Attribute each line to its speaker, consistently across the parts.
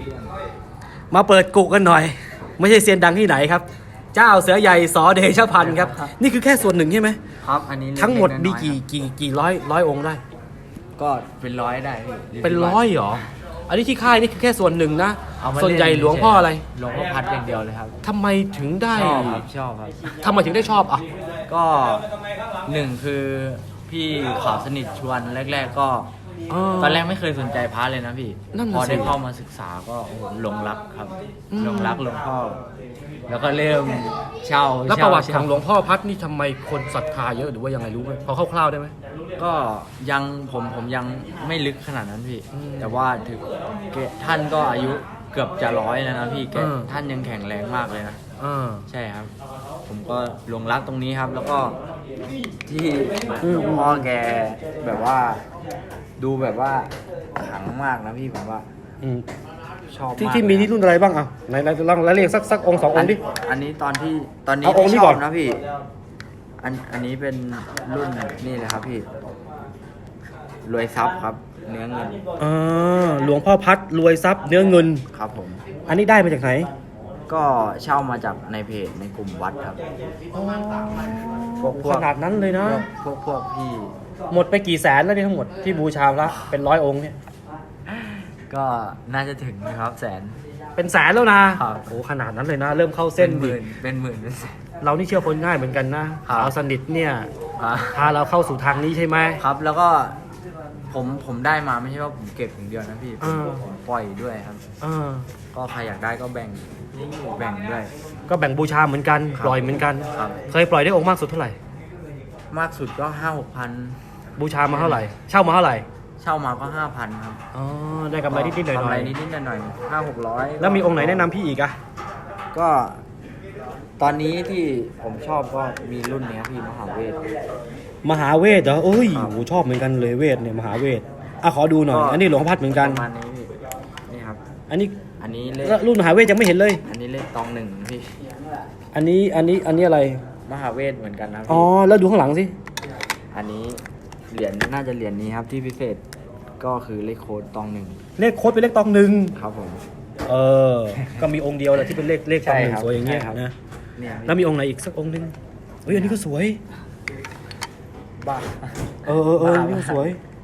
Speaker 1: มาเปิดกุกันหน่อย ไม่ใช่เซียนดังที่ไหนครับ เจ้าเสือใหญ่สอเดชพันธ์ครับนี่คือแค่ส่วนหนึ่งใช่ไหม
Speaker 2: ครับอันนี้
Speaker 1: ทั้งหมดมี
Speaker 2: เล็ๆน้อย
Speaker 1: กี่ร้อยองค์ได้
Speaker 2: ๆก็เป็นร้อยได้พี่
Speaker 1: เป็นร้อยเหรออันนี้ที่ค่ายนี่คือแค่ส่วนหนึ่งนะ
Speaker 2: เอามา
Speaker 1: ส่วนใหญ่
Speaker 2: เล่น
Speaker 1: หลวงพ่ออะไร
Speaker 2: หลวงพ่อพัดอย่างเดียวเลยครับ
Speaker 1: ทำไมถึงได้
Speaker 2: ชอบครับชอบครับ
Speaker 1: ทำไมถึงได้ชอบอ่ะ
Speaker 2: ก็หนึ่งคือพี่ขาวสนิทชวนแรก ๆ ก็ตอนแรกไม่เคยสนใจพระเลยนะพี่
Speaker 1: นั่น
Speaker 2: พ
Speaker 1: น่ะ
Speaker 2: อ
Speaker 1: สิ
Speaker 2: ได้เข้ามาศึกษาก็โอ้โหหลงรักครับ
Speaker 1: อืม
Speaker 2: หลงรักหลวงพ่อ แล้วก็เริ่มเช่า
Speaker 1: แล้วประวัติ
Speaker 2: เช่า
Speaker 1: ของหลวงพ่อพัดนี่ทำไมคนศรัทธาเยอะหรือว่ายังไงรู้ไหมพอคร่าวๆได้ไหม
Speaker 2: ก็ยังผมยังไม่ลึกขนาดนั้นพี่
Speaker 1: อืม
Speaker 2: แต่ว่าถึงท่านก็อายุเกือบจะร้อยแล้วนะพี่แก
Speaker 1: อืม
Speaker 2: ท่านยังแข็งแรงมากเลยนะ
Speaker 1: อ่า
Speaker 2: ใช่ครับ ผมก็หลงรักตรงนี้ครับ แล้วก็ที่หลวงพ่อแกแบบว่า ดูแบบว่าขลังมากนะพี่ผมว่า
Speaker 1: อืม
Speaker 2: ชอบ
Speaker 1: ที่
Speaker 2: มาก
Speaker 1: ที่มีนี่รุ่นอะไรบ้างอ่ะไหนลองเรียกสักองค์สององค์ดิ
Speaker 2: อันนี้ตอนนี้
Speaker 1: เอาองค์นี้
Speaker 2: ที่ช
Speaker 1: ก่
Speaker 2: อ
Speaker 1: อน
Speaker 2: บนะพี่ อันนี้เป็นรุ่นนี่เลยครับพี่ รวยทรัพย์ครับ เนื้อเงิน
Speaker 1: หลวงพ่อพัดรวยทรัพย์เนื้อเงิน
Speaker 2: ครับผม
Speaker 1: อันนี้ได้มาจากไหน
Speaker 2: ก็เช่ามาจากในเพจในกลุ่มวัดครับ พวก
Speaker 1: ขนาดนั้นเลยนะ
Speaker 2: พวกพี่
Speaker 1: หมดไปกี่แสนแล้วเนี่ยทั้งหมดที่บูชาพระเป็นร้อยองค์เนี่ย
Speaker 2: ก็น่าจะถึงนะครับแสน
Speaker 1: เป็นแสนแล้วนะครับ โอ้ขนาดนั้นเลยนะ เริ่มเข้าเส้น
Speaker 2: เป็นห
Speaker 1: ดิ
Speaker 2: มื่นเป็นหมื่นเป็นแสน
Speaker 1: เรานี่เชื่อคนง่ายเหมือนกันนะครับ สาวสนิทเนี่ย
Speaker 2: ครับ
Speaker 1: พาเราเข้าสู่ทางนี้ใช่ไหม
Speaker 2: ครับแล้วก็ผมได้มาไม่ใช่ว่าผมเก็บอย่างเดียวนะพี่
Speaker 1: อ่า
Speaker 2: ผมปล่อยด้วยครับ
Speaker 1: เออ
Speaker 2: ก็ใครอยากได้ก็แบ่งด้วย
Speaker 1: ก็แบ่งบูชาเหมือนกัน
Speaker 2: ครับ
Speaker 1: ปล่อยเหมือนกัน
Speaker 2: ครับ
Speaker 1: เคยปล่อยได้องค์มากสุดเท่าไหร่
Speaker 2: มากสุดก็5-6 พัน
Speaker 1: บูชามาเท่าไหร่ เช่ามาเท่าไหร่
Speaker 2: เช่ามาก็5,000ครับ
Speaker 1: อ๋อได้กำไรนิดๆหน่
Speaker 2: กำไร
Speaker 1: อย
Speaker 2: นิดๆหน่อยๆ500-600
Speaker 1: ๆแล้วมีองค์ไหนแนะนำพี่อีกอะ
Speaker 2: ก็ตอนนี้ที่ผมชอบก็มีรุ่นเนี้ยพี่มหาเวท
Speaker 1: มหาเวทเหรอเอ้ย
Speaker 2: ครับ
Speaker 1: โหชอบเหมือนกันเลยเวทเนี่ยมหาเวทอ่ะขอดูหน่อย อันนี้หลวงพ่อพัดเหมือนกัน
Speaker 2: ประมาณนี้พี่นี่ครับ
Speaker 1: อันนี้
Speaker 2: อันนี้เลข
Speaker 1: แล้วรุ่นมหาเวทยังไม่เห็นเลย
Speaker 2: อันนี้เลขตองหนึ่งพี่
Speaker 1: อันนี้อะไร
Speaker 2: มหาเวทเหมือนกันนะ
Speaker 1: อ๋อ
Speaker 2: พี่
Speaker 1: แล้วดูข้างหลังสิ
Speaker 2: อันนี้เหรียญน่าจะเหรียญนี้ครับที่พิเศษก็คือเลขโค้ดตองหนึ่ง
Speaker 1: เลขโค้ดเป็นเลขตองหนึ่ง
Speaker 2: ครับผม
Speaker 1: เออ ก็มีองค์เดียวแหละที่เป็นเลขตองหนึ่ง
Speaker 2: ใช่ครับ
Speaker 1: สวยอย่างเงี้ย
Speaker 2: ใช่ครับ
Speaker 1: นะ
Speaker 2: เนี่ย
Speaker 1: แล้วมีองค์ไหนอีกสักองค์หนึงเฮ้ยอันนี้ก็สวย
Speaker 2: บ้า
Speaker 1: เอออันนี้ก็สวย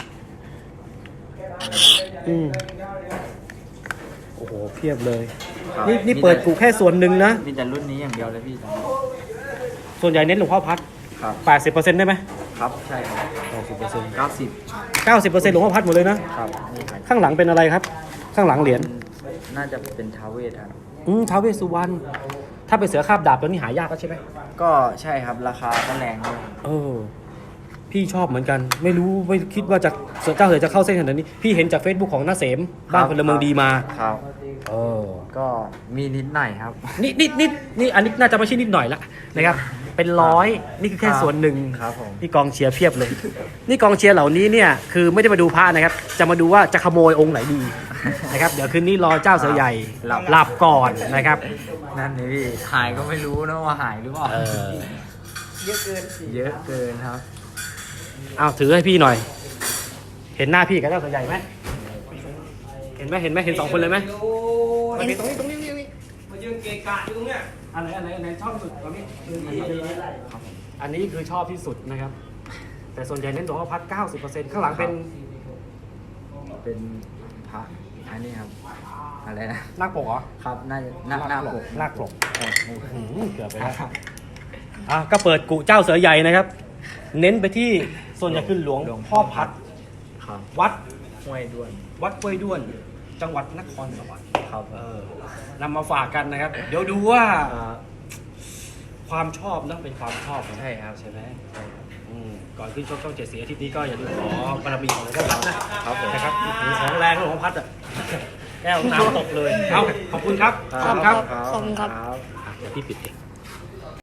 Speaker 1: อืมโอ้โหเพียบเลย
Speaker 2: ครับ
Speaker 1: นี่เปิดกูแค่ส่วนหนึ่งนะ
Speaker 2: มีแต่รุ่นนี้อย่างเดียวเลยพี่
Speaker 1: ส่วนใหญ่เน้นหลวงพ่อพัด
Speaker 2: ครับ
Speaker 1: 80%ได้ไหม
Speaker 2: ครับใช่ครับ
Speaker 1: 90%
Speaker 2: 90
Speaker 1: 90%หลวงพ่อพัดหมดเลยนะ
Speaker 2: ครับนี่ครับ
Speaker 1: ข้างหลังเป็นอะไรครับ ข้างหลังเหรียญ
Speaker 2: น่าจะเป็นท้าวเวทครับ
Speaker 1: ท้าวเวสสุวรรณถ้าเป็นเสือคาบดาบตัวนี้หายากแล้วใช่ไหม
Speaker 2: ก็ใช่ครับราคาก็แรงด้วย
Speaker 1: เออ พี่ชอบเหมือนกัน ไม่คิดว่าจะเจ้าเสือจะเข้าเส้นขนาดนี้ พี่เห็นจาก Facebook ของน้าเสมบ้านพลเมืองดีมา
Speaker 2: ครับ
Speaker 1: เออ
Speaker 2: ก็มีนิดหน่อยครับ
Speaker 1: นี่อันนี้น่าจะไม่ใช่นิดหน่อยละนะครับ เป็นร้อยนี่คือแค่
Speaker 2: ครับ
Speaker 1: ส่วนหนึ่ง
Speaker 2: ครับผม
Speaker 1: นี่กองเชียร์เพียบเลย นี่กองเชียร์เหล่านี้เนี่ยคือไม่ได้มาดูพระนะครับ จะมาดูว่าจะขโมยองค์ไหนดีนะครับ เดี๋ยวคืนนี้รอเจ้าเสือใหญ่หลับก่อนนะครับ
Speaker 2: นั่นนี่พี่หายก็ไม่รู้นะว่าหายหรือเปล่า
Speaker 1: เออ
Speaker 2: เยอะเกินครับ
Speaker 1: เอาถือให้พี่หน่อย เห็นหน้าพี่กับเจ้าเสือใหญ่ไหมเห็นไหมเห็นสองคนเลยไหมตรงนี้มายืนเกะกะอยู่ตรงเนี้ยอันไหนชอบสุดตอนนี้อันนี้คือชอบที่สุดนะครับ แต่ส่วนใหญ่เน้นหลวงพ่อพัด 90%ข้างหลังเป็น
Speaker 2: เป็นพระอันนี้ครับ อะไรนะ
Speaker 1: นาคปกเหรอ
Speaker 2: ครับน่าจะหน้าปก
Speaker 1: นาคปกเกือบไปแล้วก็เปิดกุเจ้าเสือใหญ่นะครับ เน้นไปที่ส่วนใหญ่คือหลวงพ่อพัด
Speaker 2: ครับ
Speaker 1: วัด
Speaker 2: ห้วยด้วน
Speaker 1: วัดห้วยด้วน จังหวัดนครสวรรค์
Speaker 2: ครับ
Speaker 1: นำมาฝากกันนะครับ เดี๋ยวดูว่าความชอบนะเป็นความชอบนะ
Speaker 2: ใช่ครับ
Speaker 1: ใช่ไหม
Speaker 2: ใช่ครับ
Speaker 1: ก่อนขึ้นชกช่องเจ็ดสีอาทิตย์นี้ก็อย่าลืมขอบารมีของหลวงพ่อพัดนะครับ
Speaker 2: ผม
Speaker 1: นะครับของแรงของหลวงพ่อพัดอ่ะแก้วน้ำตกเลย เอาขอบคุณครับ
Speaker 3: ขอบคุณครับ
Speaker 1: เดี๋ยวพี่ปิดเอง